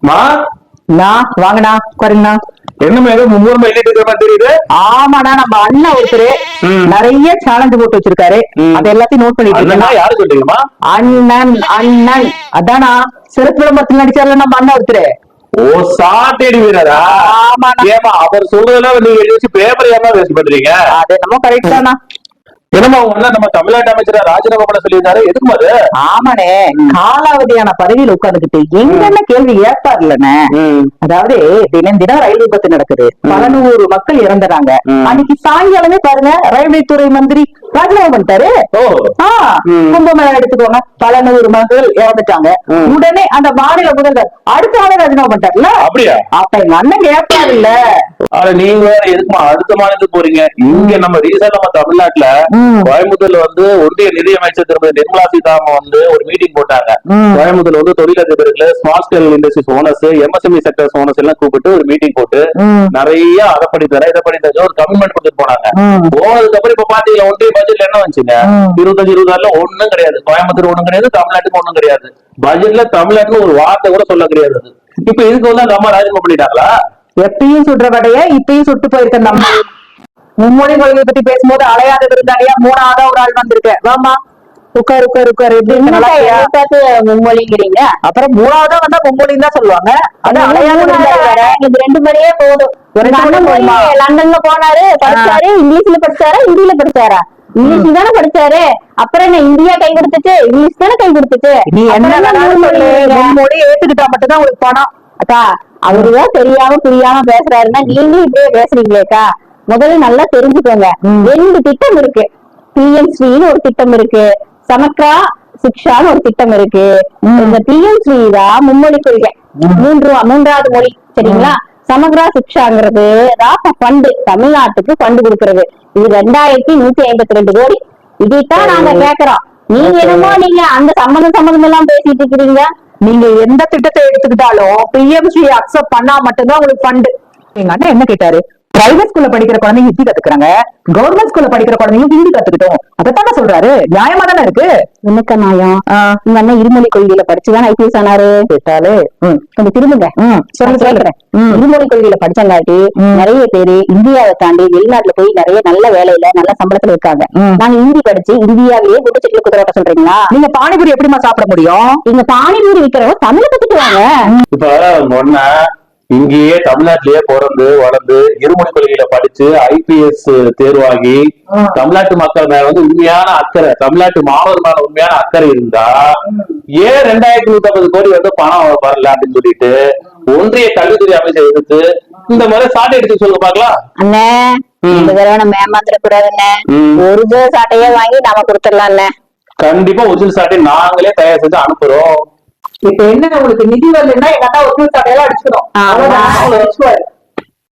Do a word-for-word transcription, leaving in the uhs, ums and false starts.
வாங்கண்ணா உட்காருங்கண்ணா. என்ன ஏதோ மும்முரமா எழுதிட்டு இருக்கிற மாதிரி தெரியுது. ஆமாண்ணா, நம்ம அண்ணன் ஒருத்தரு நிறைய சேலஞ்ச் போட்டு வச்சிருக்காரு. அது எல்லாத்தையும் நோட் பண்ணிட்டு இருக்கேன். யாரு சொல்றீங்கம்மா? அண்ணன் அண்ணன் அதானா சிறப்பு விளம்பரத்தில் நடிச்சாரு நம்ம அண்ணன் ஒருத்தரு. ஓ, சாட்டேடி வீரரா? ஏமா அவர் சொல்றதெல்லாம் நீங்க எழுதி வச்சு பேப்பர் ஏமா வேஸ்ட் பண்றீங்க? அது என்னமோ கரெக்ட் தானா. என்னமா அவங்க நம்ம தமிழ்நாட்டு அமைச்சர் ராஜினாமா பண்ண சொல்லியிருந்தாரு, எதுக்கு அது? ஆமாண்ணே, காலாவதியான பதவியில் உட்கார்ந்துகிட்டு எங்கென்ன கேள்வி ஏற்பாரு இல்லண்ணே. அதாவது தினம் தினம் ரயில் விபத்து நடக்குது, பல நூறு மக்கள் இறந்துறாங்க. அன்னைக்கு சாயங்காலமே பாருங்க ரயில்வே துறை மந்திரி ராஜினாமா பண்ணிட்டாரு. கும்பமேளா எடுத்துக்கோங்க, பல நூறு மக்கள் இறந்துட்டாங்க. உடனே அந்த மாநில முதல்வர் அடுத்த ஆளே ராஜினாமா பண்ணிட்டாருல. அப்படியா? அப்ப எங்க அண்ணன் கேட்பாரு இல்ல. நீங்க வேற எதுக்குமா அடுத்த மாநிலத்துக்கு போறீங்க? இங்க நம்ம ரீசெண்டா நம்ம தமிழ்நாட்டுல கோயம்புத்தூர்ல வந்து ஒன்றிய நிதியமைச்சர் திருமதி நிர்மலா சீதாராமன் வந்து ஒரு மீட்டிங் போட்டாங்க. கோயம்புத்தூர்ல வந்து தொழிலதிபர்கள், small scale industries owners, MSME sectors owners எல்லாம் கூப்பிட்டு ஒரு மீட்டிங் போட்டு நிறைய அதை பண்ணி தர இதை பண்ணி தர ஒரு கமிட்மெண்ட் கொடுத்துட்டு போனாங்க. போனதுக்கு அப்புறம் இப்ப பாத்தீங்களா ஒன்றிய பட்ஜெட்ல என்ன வந்துச்சுங்க? இருபத்தஞ்சு இருபது ஆறுல ஒண்ணும் கிடையாது. கோயம்புத்தூர் ஒண்ணும் கிடையாது, தமிழ்நாட்டுக்கு ஒண்ணும் கிடையாது. பட்ஜெட்ல தமிழ்நாட்டுல ஒரு வார்த்தை கூட சொல்ல கிடையாது. இப்ப இதுக்கு வந்து அந்த அம்மா ராஜினாமா பண்ணிட்டாங்களா? எப்பயும் சுடுற வடைய இப்பயும் சுட்டு போயிருக்க அந்த அம்மா. மும்மொழி கொள்கையை பத்தி பேசும்போது அலையாத விருந்தாளியா மூணாவதா ஒரு ஆள் வந்திருக்க. வாமா உட்காரு உட்காரு உட்காரு. மும்மொழிங்கிறீங்க, அப்புறம் மூணாவதா வந்தா மும்மொழின்னு தான் சொல்லுவாங்க. அது அலையாத இது ரெண்டு முறையே போதும். லண்டன்ல போனாரு, படிச்சாரு, இங்கிலீஷ்ல படிச்சாரா ஹிந்தியில படிச்சாரா? இங்கிலீஷ் தானே படிச்சாரு. அப்புறம் என்ன இந்தியா கை கொடுத்துச்சு? இங்கிலீஷ் தானே கை கொடுத்துச்சு. நீ என்ன மொழி ஏத்துக்கிட்டா மட்டும்தான் உங்களுக்கு பணம். அக்கா, அவருதான் தெரியாம புரியாம பேசுறாருன்னா நீங்களும் இப்படியே பேசுறீங்களேக்கா. முதல்ல நல்லா தெரிஞ்சுக்கோங்க, ரெண்டு திட்டம் இருக்கு. பிஎம்ஸ்ரீன்னு ஒரு திட்டம் இருக்கு, சமக்ரா சிக்ஷான்னு ஒரு திட்டம் இருக்கு. இந்த பிஎம்ஸ்ரீ தான் மும்மொழி கொள்கை, மூன்று மூன்றாவது மொழி, சரிங்களா? சமக்ரா சிக்ஷாங்கிறது ஃபண்டு, தமிழ்நாட்டுக்கு ஃபண்டு கொடுக்கறது. இது ரெண்டாயிரத்தி நூத்தி ஐம்பத்தி ரெண்டு கோடி. இதைத்தான் நாங்க கேக்குறோம். நீங்க என்னமோ நீங்க அந்த சம்மந்தம் சம்மந்தம் எல்லாம் பேசிட்டு இருக்கிறீங்க. நீங்க எந்த திட்டத்தை எடுத்துக்கிட்டாலும் பிஎம்ஸ்ரீ அக்செப்ட் பண்ணா மட்டும்தான் உங்களுக்கு ஃபண்டு. எங்க அண்ணன் என்ன கேட்டாரு? பிரைவேட் ஸ்கூல்ல படிக்கிற குழந்தைங்க ஹிந்தி கத்துக்கிறாங்க, கவர்மெண்ட் ஸ்கூல்ல படிக்கிற குழந்தைங்க ஹிந்தி கத்துக்கிட்டோம். அதைத்தானே சொல்றாரு. நியாயமா தானே இருக்கு. என்னக்கா நியாயம்? உங்க அண்ணன் இருமொழி கொள்கையில படிச்சுதான் ஐபிஎஸ் ஆனாரு. கேட்டாலே கொஞ்சம் திரும்புங்க. சொல்றேன், இருமொழி கொள்கையில படிச்சங்காட்டி நிறைய பேரு இந்தியாவை தாண்டி வெளிநாட்டுல போய் நிறைய நல்ல வேலையில நல்ல சம்பளத்துல இருக்காங்க. நாங்க ஹிந்தி படிச்சு இந்தியாவிலேயே குடிச்சிட்டு குதிரோட்ட சொல்றீங்களா? நீங்க பானிபூரி எப்படிமா சாப்பிட முடியும்? நீங்க பானிபூரி விற்கிறவங்க தமிழ கத்துக்குவாங்க. இங்கேயே தமிழ்நாட்டிலேயே பிறந்து வளர்ந்து இருமொழி கொள்கையில படிச்சு ஐபிஎஸ் தேர்வாகி தமிழ்நாட்டு மக்கள் மேல வந்து உண்மையான அக்கறை, தமிழ்நாட்டு மாணவர் மேல உண்மையான அக்கறை இருந்தா ஏன் ரெண்டாயிரத்தி நூத்தி ஐம்பது கோடி வந்து பணம் வரல அப்படின்னு சொல்லிட்டு ஒன்றிய கல்வித்துறை அமைச்சர் எடுத்து இந்த மாதிரி சாட்டை எடுத்து சொல்லுங்க பாக்கலாம். அண்ணே, இந்த தடவை நம்ம ஏமாந்துட கூடாதுண்ணே. ஒரிஜினல் சாட்டையே வாங்கி நாம கொடுத்துடலாம். கண்டிப்பா ஒரிஜினல் சாட்டை நாங்களே தயார் செஞ்சு அனுப்புறோம். இப்ப என்ன உங்களுக்கு நிதி வரலன்னா எங்க அண்ணா ஒரிஜினல் சாட்டையெல்லாம் அடிச்சுக்கணும்.